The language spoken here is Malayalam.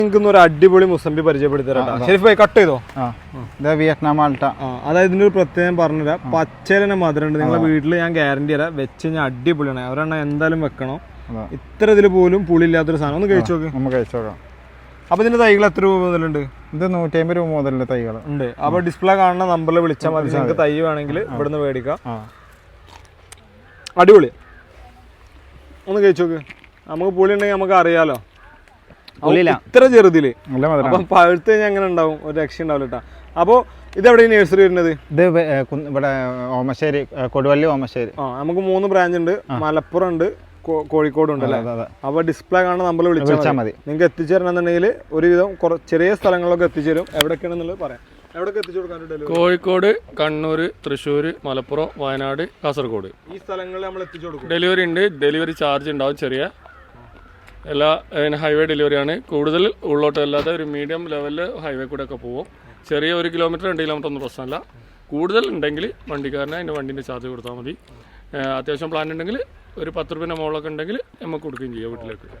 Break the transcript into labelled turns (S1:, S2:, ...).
S1: നിങ്ങൾക്ക് ഒരു അടിപൊളി മുസംബി പരിചയപ്പെടുത്തരാം. ഷെരീഫ് ഭായി കട്ട് ചെയ്തോ?
S2: Vietnam Malta.
S1: അതായത് ഇതിന്റെ ഒരു പ്രത്യേകം പറഞ്ഞുതരാം. പച്ചേലനെ മധുരമുണ്ട്. നിങ്ങളെ വീട്ടിൽ ഞാൻ ഗ്യാരണ്ടി തരാം. വെച്ച് കഴിഞ്ഞാൽ അടിപൊളിയാണ്. അവരെണ്ണ എന്തായാലും വെക്കണം. ഇത്ര ഇതിൽ പോലും പുളി ഇല്ലാത്തൊരു സാധനം. ഒന്ന് കഴിച്ചു നോക്ക്.
S2: നമുക്ക് കഴിച്ചു നോക്കാം.
S1: അപ്പൊ ഇതിന്റെ തൈകൾ എത്ര രൂപ മുതലുണ്ട്?
S2: ഇത് 150 രൂപ മുതലുള്ള തൈകൾ
S1: ഉണ്ട്. അപ്പൊ ഡിസ്പ്ലേ കാണുന്ന നമ്പറിൽ വിളിച്ചാൽ മതി. നിങ്ങൾക്ക് തൈ വേണമെങ്കിൽ ഇവിടുന്ന് മേടിക്കാം. അടിപൊളി. ഒന്ന് കഴിച്ചു നോക്ക്. നമുക്ക് പുളി ഉണ്ടെങ്കിൽ നമുക്ക് അറിയാലോ. ഇത്ര ചെറുതില് അപ്പം പഴുത്ത് കഴിഞ്ഞാൽ എങ്ങനെ ഉണ്ടാവും? ഒരു രക്ഷ ഉണ്ടാവില്ല കേട്ടോ. അപ്പോൾ ഇതെവിടെ നഴ്സറി വരുന്നത്?
S2: ഇത് ഇവിടെ ഓമശ്ശേരി, കൊടുവള്ളി ഓമശ്ശേരി.
S1: നമുക്ക് 3 ബ്രാഞ്ച് ഉണ്ട്. മലപ്പുറം ഉണ്ട്, കോഴിക്കോട് ഉണ്ട് അല്ലേ? അപ്പൊ ഡിസ്പ്ലേ കാണുന്ന നമ്പറിൽ വിളിച്ചാൽ മതി. നിങ്ങൾക്ക് എത്തിച്ചേരണമെന്നുണ്ടെങ്കിൽ ഒരുവിധം ചെറിയ സ്ഥലങ്ങളിലൊക്കെ എത്തിച്ചേരും. എവിടെയൊക്കെയാണെന്നുള്ളത് പറയാം. എവിടെയൊക്കെ എത്തിച്ചു കൊടുക്കാൻ?
S3: കോഴിക്കോട്, കണ്ണൂർ, തൃശ്ശൂർ, മലപ്പുറം, വയനാട്, കാസർഗോഡ്
S1: ഈ സ്ഥലങ്ങളിൽ നമ്മൾ എത്തിച്ചു കൊടുക്കും.
S3: ഡെലിവറി ഉണ്ട്. ഡെലിവറി ചാർജ് ഉണ്ടാവും ചെറിയ. എല്ലാ ഹൈവേ ഡെലിവറിയാണ്. കൂടുതൽ ഉള്ളോട്ടല്ലാതെ ഒരു മീഡിയം ലെവലിൽ ഹൈവേ കൂടെ ഒക്കെ പോകും. ചെറിയ 1 കിലോമീറ്റർ 2 കിലോമീറ്റർ ഒന്നും പ്രശ്നമല്ല. കൂടുതൽ ഉണ്ടെങ്കിൽ വണ്ടിക്കാരനെ അതിൻ്റെ വണ്ടീൻ്റെ ചാർജ് കൊടുത്താൽ മതി. അത്യാവശ്യം പ്ലാൻ ഉണ്ടെങ്കിൽ ഒരു 10 രൂപേൻ്റെ മുകളിലൊക്കെ ഉണ്ടെങ്കിൽ നമുക്ക് കൊടുക്കുകയും ചെയ്യാം വീട്ടിലേക്ക്.